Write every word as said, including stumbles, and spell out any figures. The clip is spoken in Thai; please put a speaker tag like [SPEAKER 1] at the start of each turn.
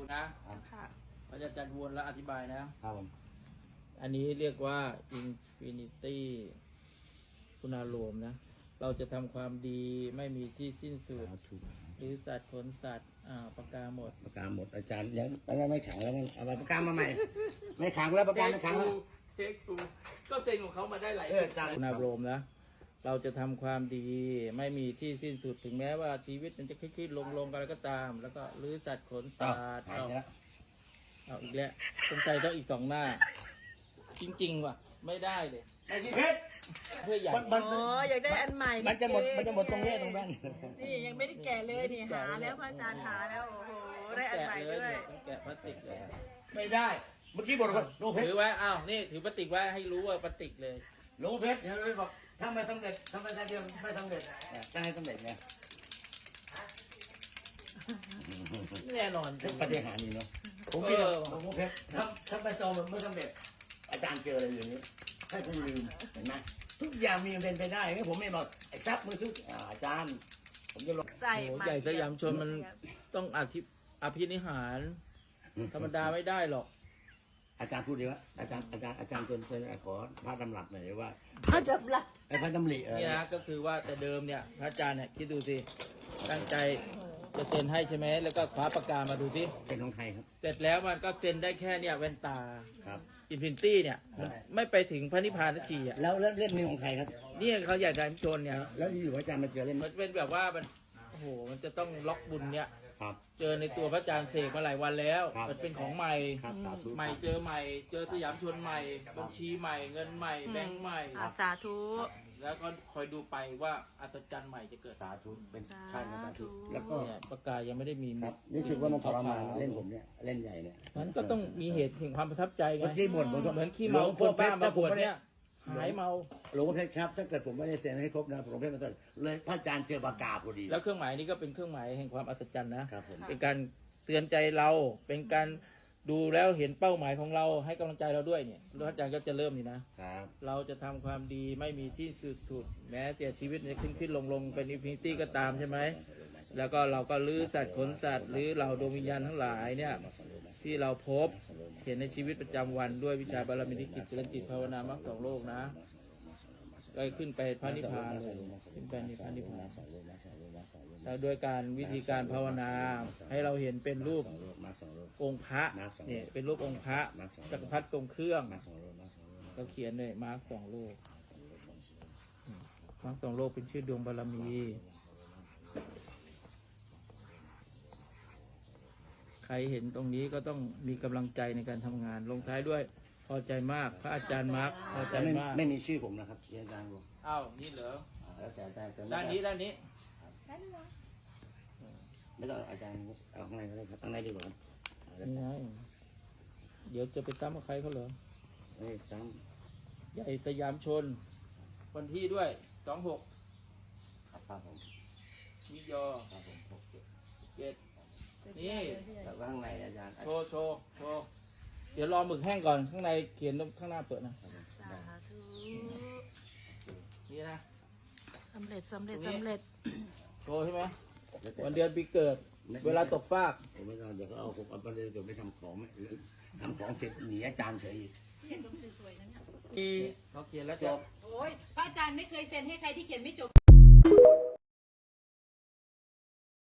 [SPEAKER 1] นะ
[SPEAKER 2] ค่ะ
[SPEAKER 1] พระอาจารย์วนแล้วอธิบายนะครับ
[SPEAKER 3] ผม
[SPEAKER 1] อันนี้เรียกว่า Infinity คุณารวมนะ เราจะทำความดีไม่มีที่สิ้นสุด
[SPEAKER 3] ถูก
[SPEAKER 1] หรือสัตว์ขนสัตว์อ่าปากกาหมด
[SPEAKER 3] ปากกาหมดอาจารย์ยังไม่ไม่ขังแล้วเอาปากกามาใหม่ ไม่ขังแล้วปากกาไม่ขังแล้ว
[SPEAKER 1] เทคทูก็เซ็งของเขามาได้หลาย
[SPEAKER 3] เอออาจารย์
[SPEAKER 1] คุณารวมนะ เราจะทำความดีไม่มีที่สิ้นสุดถึงแม้ว่าชีวิตมันจะขึ้นๆลงๆกันแล้วก็ตาม แล้วก็หรือสัตว์ขน
[SPEAKER 3] อ้า
[SPEAKER 1] สั
[SPEAKER 3] ว
[SPEAKER 1] ตว์
[SPEAKER 3] หาย
[SPEAKER 1] เอา
[SPEAKER 3] ไปแล้ว
[SPEAKER 1] เอาอีกแล้วสงสัยต้องอีกสองหน้า จริงๆว่ะ ไม่ได้เลย
[SPEAKER 3] ไอ้ที่เพชร
[SPEAKER 1] เพื่อใหญ่
[SPEAKER 3] มันมัน
[SPEAKER 2] อ๋ออยากได้อันใหม่
[SPEAKER 3] มันจะหมดมันจะหมดตรงนี้ตรงนั้น
[SPEAKER 2] นี่ยังไม่ได้แกะเลยนี่หาแล้วพระอาจารย์หาแล้วโอ้โหได้อันใหม่ด้วย
[SPEAKER 1] ต้องแกะพลาสติกเลย
[SPEAKER 3] ไม่ได้ เมื่อกี้บอกว่าโลเพช
[SPEAKER 1] ถื
[SPEAKER 3] ร
[SPEAKER 1] อไว้อ้าวนี่ถือพลาสติกไว้ให้รู้ว่าพลาสติกเลย
[SPEAKER 3] โลเพชรเดี๋ยวเลยบอกถ้าไม่สำเร็จทำไมได้เดียวไม่สำเร็จจะให้สำเร็จไง
[SPEAKER 1] แน่นอนจริง
[SPEAKER 3] ปฏิหารย์นี่เนาะผมคิดว่าโลเพชรถ้าถ้าไปโตมันไม่สำเร็จ อาจารย์เจออะไรอย่างนี้ให้คุณลืมเห็นไหมทุกอย่างมีเป็นไปได้งั้นผมไม่บอกไอ้ทรัพย์มือทุกอาจารย์ ผมจะลง
[SPEAKER 2] ใส่
[SPEAKER 1] โอ้
[SPEAKER 2] ใหม่
[SPEAKER 1] ใหญ่สยามชนมันต้องอธิอภินิหาร ธรรมดาไม่ได้หรอก
[SPEAKER 3] อาจารย์พูดดีว่าอาจารย์อาจารย์อาจารย์จนจนขอพระดำรัสหน่อยว่า
[SPEAKER 2] พระดับลัก
[SPEAKER 3] ไอ้พระดำริเออ
[SPEAKER 1] นี่นะก็คือว่าแต่เดิมเนี่ยพระอาจารย์เนี่ยคิดดูสิตั้งใจจะเซ็นให้ใช่ไหมแล้วก็คว้าปากกามาดูสิ
[SPEAKER 3] เป็นของไทยครับ
[SPEAKER 1] เสร็จแล้วมันก็เซ็นได้แค่เนี่ยแว่นตา
[SPEAKER 3] ครับ
[SPEAKER 1] อินฟินิตี้เนี่ยมันไม่ไปถึงพระนิพพานสักทีอ่ะ
[SPEAKER 3] แล้วแล้วเล่มนี้ของใครครับ
[SPEAKER 1] นี่เขาอยากจะชนเนี่ย
[SPEAKER 3] แล้วอยู่ๆอาจารย์มาเจอเล่ม
[SPEAKER 1] มันเป็นแบบว่ามันโอ้โหมันจะต้องล็อกบุญเนี่ย
[SPEAKER 3] ครับ
[SPEAKER 1] เจอในตัวพระอาจารย์เสกมาหลายวันแล้ว
[SPEAKER 3] ครับ
[SPEAKER 1] มันเป็นของใหม่
[SPEAKER 3] ครับสาธุ
[SPEAKER 1] ใหม่เจอใหม่ เจอสยามชนใหม่ บัญชีใหม่ เงินใหม่ แบงค์ใหม่
[SPEAKER 2] อาสาธุ
[SPEAKER 1] แล้วก็คอยดูไปว่าอัศจรรย์ใหม่จะเกิด
[SPEAKER 3] สาธุเป็นใช่ครับสาธุแล้วก็
[SPEAKER 1] เนี่ยปากกายังไม่ได้มี
[SPEAKER 3] ครับรู้สึกว่ามันทรมานเล่นผมเนี่ยเล่นใหญ่เนี่ย
[SPEAKER 1] มันก็ต้องมีเหตุแห่งความประทับใจไง
[SPEAKER 3] เมื่อกี้บ่นผมก็
[SPEAKER 1] เหมือนขี้เมาคนบ้ามาบวชเนี่ยหายเมา
[SPEAKER 3] หลวงพ่อเพชรครับถ้าเกิดผมไม่ได้เซ็นให้ครบนะหลวงพ่อเพชรมาเซ็นเลยพระอาจารย์เจอปากกาพอดี
[SPEAKER 1] แล้วเครื่องหมายนี้ก็เป็นเครื่องหมายแห่งความอัศจรรย์นะครับ
[SPEAKER 3] ผม
[SPEAKER 1] เป็นการเตือนใจเราเป็นการดูแล้วเห็นเป้าหมายของเราให้กำลังใจเราด้วยเนี่ยพระอาจารย์ก็จะเริ่มนี่นะ
[SPEAKER 3] ครับ
[SPEAKER 1] เราจะทำความดีไม่มีที่สุดสุดแม้แต่ชีวิตจะขึ้นขึ้นลงลงเป็นอินฟินิตี้ก็ตามใช่ไหมแล้วก็เราก็ลื้อสัตว์ขนสัตว์หรือเราดวงวิญญาณทั้งหลายเนี่ยที่เราพบเห็นในชีวิตประจำวันด้วยวิชาบารมีนิกิจเจริญจิตภาวนามรรคสองโลกนะก็ขึ้นไปพระนิพพานเลยขึ้นไปนิพพานนิพพานแล้วด้วยการวิธีการภาวนาให้เราเห็นเป็นรูป
[SPEAKER 3] มาสองโล
[SPEAKER 1] องค์พระเนี่ยเป็นรูปองค์พระจักรพรรดิทรงเครื่อง
[SPEAKER 3] มาสองโลมาสองโล
[SPEAKER 1] เราเขียนเลยมาร์คสองโลกมาร์คสองโลกเป็นชื่อดวงบารมี ใครเห็นตรงนี้ก็ต้องมีกำลังใจในการทำงาน ลงท้ายด้วย พอใจมาก พระอาจารย์มาร์คพอใจ
[SPEAKER 3] ไม่
[SPEAKER 1] มาก
[SPEAKER 3] ไม่มีชื่อผมนะครับอาจารย์บอก
[SPEAKER 1] อ้าวนี่เหรอ
[SPEAKER 3] แล้วแต่แต่แต่
[SPEAKER 1] ด้านนี้ด้านนี้
[SPEAKER 3] ไม่ต้องอาจารย์เอาข้างในก็ได้ครับข้างในดีกว่าครับ
[SPEAKER 1] นี่ไงเดี๋ยวจะไปตั้มกับใครเขาเหรอ
[SPEAKER 3] เอ้ยซ้
[SPEAKER 1] ใหญ่สยามชน วันที่ด้วยสองหก
[SPEAKER 3] ำครับครับผม
[SPEAKER 1] มิยอ
[SPEAKER 3] ครับผมหกเจ็ด
[SPEAKER 1] เจ็ดนี่
[SPEAKER 3] แล้วข้างในอาจารย์
[SPEAKER 1] โชว์โชว์โชว์เดี๋ยวรอหมึกแห้งก่อนข้างในเขียนตรงข้างหน้าเปิดนะ
[SPEAKER 2] สาธุ
[SPEAKER 1] นี่นะ
[SPEAKER 2] สำเร็จสำเร็จสำเร็จ
[SPEAKER 1] โชว์ใช่ไหมวันเดือนปีเกิด เวลาตกฟาก
[SPEAKER 3] ผมไม่ต้องเดี๋ยวเขาเอาผมเอาประเด็นเดี๋ยวไปทำของไม่ทำของเสร็จหนีอาจารย์เฉยอีก
[SPEAKER 4] เขียนตรงสวยๆนั่น
[SPEAKER 1] มีเขาเขียนแล้ว
[SPEAKER 3] จ
[SPEAKER 1] จะ
[SPEAKER 3] บ
[SPEAKER 4] โอ้ยพระอาจารย์ไม่เคยเซ็นให้ใครที่เขียนไม่จบ